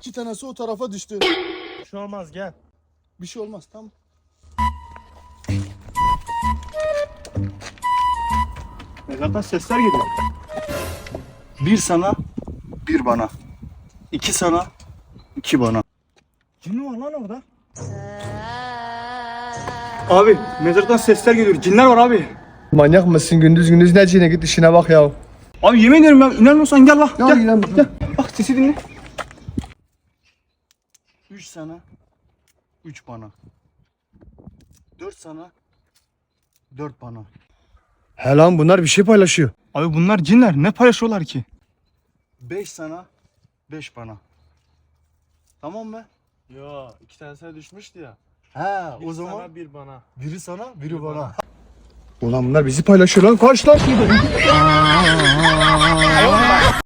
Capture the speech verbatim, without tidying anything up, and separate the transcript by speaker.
Speaker 1: İki tanesi o tarafa düştü.
Speaker 2: Bir şey olmaz, gel.
Speaker 1: Bir şey olmaz, tamam.
Speaker 2: Mezardan sesler geliyor.
Speaker 1: Bir sana, bir bana. İki sana, iki bana.
Speaker 2: Cin var lan orada. Abi mezardan sesler geliyor. Cinler var abi.
Speaker 3: Manyak mısın? Gündüz gündüz ne cine, git işine bak ya.
Speaker 2: Abi yemin ederim ya, inanmıyorsan gel lan.
Speaker 3: Ya
Speaker 2: Gel.
Speaker 3: gidelim.
Speaker 2: Gel. Bak sesi dinle.
Speaker 1: Üç sana, üç bana. Dört sana, dört bana.
Speaker 3: He lan, bunlar bir şey paylaşıyor.
Speaker 2: Abi bunlar cinler. Ne paylaşıyorlar ki?
Speaker 1: Beş sana, beş bana. Tamam mı?
Speaker 4: Yo, iki tanesine düşmüştü ya.
Speaker 1: He,
Speaker 4: Bir
Speaker 1: o zaman
Speaker 4: sana, bir bana.
Speaker 1: biri sana, biri bana.
Speaker 3: Ulan bunlar bizi paylaşıyor lan, kaç lan.